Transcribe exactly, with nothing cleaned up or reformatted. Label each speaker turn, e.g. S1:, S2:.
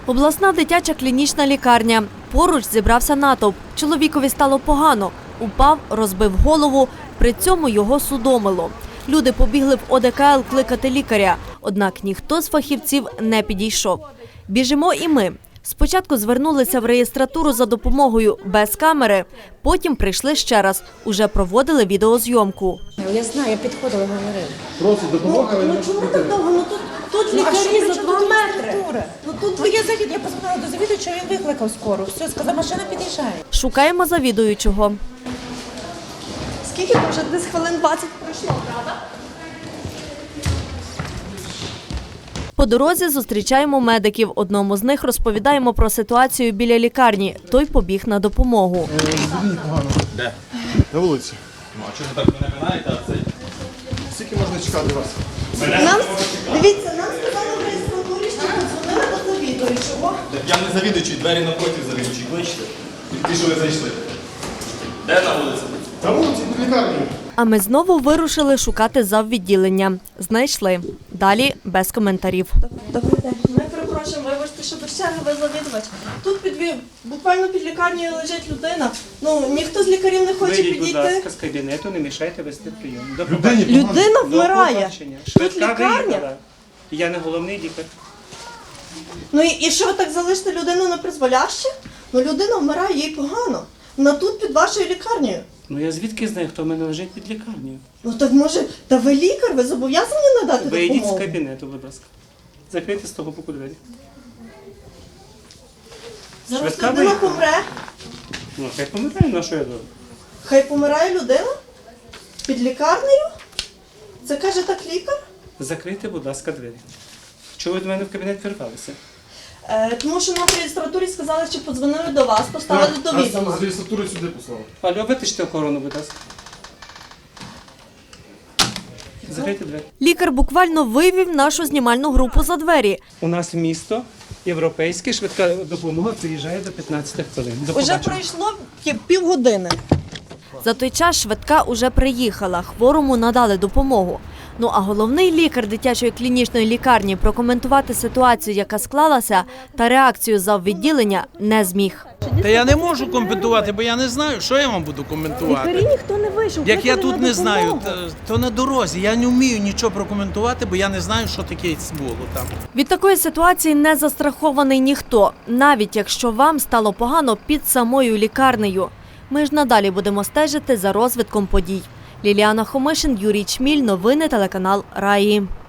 S1: Обласна дитяча клінічна лікарня. Поруч зібрався натовп. Чоловікові стало погано. Упав, розбив голову. При цьому його судомило. Люди побігли в О Де Ка Ел кликати лікаря. Однак ніхто з фахівців не підійшов. Біжимо і ми. Спочатку звернулися в реєстратуру за допомогою без камери. Потім прийшли ще раз. Уже проводили відеозйомку.
S2: Я знаю, я підходила, говорила.
S3: Просто допомога.
S2: Ну чому так довго? Ну тут, тут лікарі за два метри. Ну тут ну, я завід, я позвонила до завідувача, він викликав скору. Все, сказав, машина під'їжджає.
S1: Шукаємо завідуючого.
S4: Скільки вже десь хвилин двадцять пройшло, правда?
S1: По дорозі зустрічаємо медиків. Одному з них розповідаємо про ситуацію біля лікарні. Той побіг на допомогу.
S3: Мені погано.
S5: Де?
S3: На вулиці.
S5: Ну, а чого ви так мене минаєте, а це?
S3: Скільки можна чекати вас?
S4: Нам, дивіться, нам сказали в реєстратурі, що подзвонили до завідуючого.
S5: Я не завідуючий, двері напротив завідуючий. Кличте. Ті, що ви зайшли. Де на вулиці?
S3: На вулиці, в лікарні.
S1: А ми знову вирушили шукати заввідділення. Знайшли. Далі без коментарів.
S4: Добрий день. Ми перепрошуємо, вибачте, що без черги ви завідувач. Тут під, ві- буквально під лікарнею лежить людина. Ну, ніхто з лікарів не хоче
S6: Вийдіть, будь
S4: підійти.
S6: ласка, з кабінету, не мішайте вести прийом. До
S3: Людині
S6: побачення.
S3: погано.
S4: Людина
S6: До
S4: вмирає.
S6: побачення.
S4: Тут
S6: Швидка
S4: лікарня.
S6: виїхала. Я не головний лікар.
S4: Ну і, і що ви так залишите людину на призволяще? Ну людина вмирає, їй погано. Вона тут під вашою лікарнею.
S6: Ну я звідки знаю, хто в мене лежить під лікарнею?
S4: Ну так може, та ви лікар, ви зобов'язані надати
S6: Вийдіть з
S4: допомогу?
S6: кабінету, будь ласка. Закрийте з того боку двері.
S4: Зараз
S6: Швидка
S4: людина
S6: виїхала.
S4: помре.
S6: Ну, хай пам'ятаю, на що я думаю.
S4: Хай помирає людина? Під лікарнею? Це каже так лікар?
S6: Закрийте, будь ласка, двері. Чого ви до мене в кабінет вірвалися?
S4: Е, тому що нам в реєстратурі сказали, що подзвонили до вас, поставили до відома.
S3: Нас з реєстратури сюди послали.
S6: Алло, витиште охорону, будь ласка. Закрийте двері.
S1: Лікар буквально вивів нашу знімальну групу за двері.
S6: У нас в місто європейське, швидка допомога приїжджає до п'ятнадцяти хвилин. До
S4: Уже
S6: побачення.
S4: пройшло пів- півгодини.
S1: За той час швидка уже приїхала. Хворому надали допомогу. Ну а головний лікар дитячої клінічної лікарні прокоментувати ситуацію, яка склалася, та реакцію заввідділення не зміг.
S7: Та я не можу коментувати, бо я не знаю, що я вам буду коментувати.
S4: ніхто не вийшов.
S7: Як я тут не знаю, то, то на дорозі. Я не вмію нічого прокоментувати, бо я не знаю, що таке було там.
S1: Від такої ситуації не застрахований ніхто, навіть якщо вам стало погано під самою лікарнею. Ми ж надалі будемо стежити за розвитком подій. Ліліана Хомишин, Юрій Чміль, новини телеканал Раї.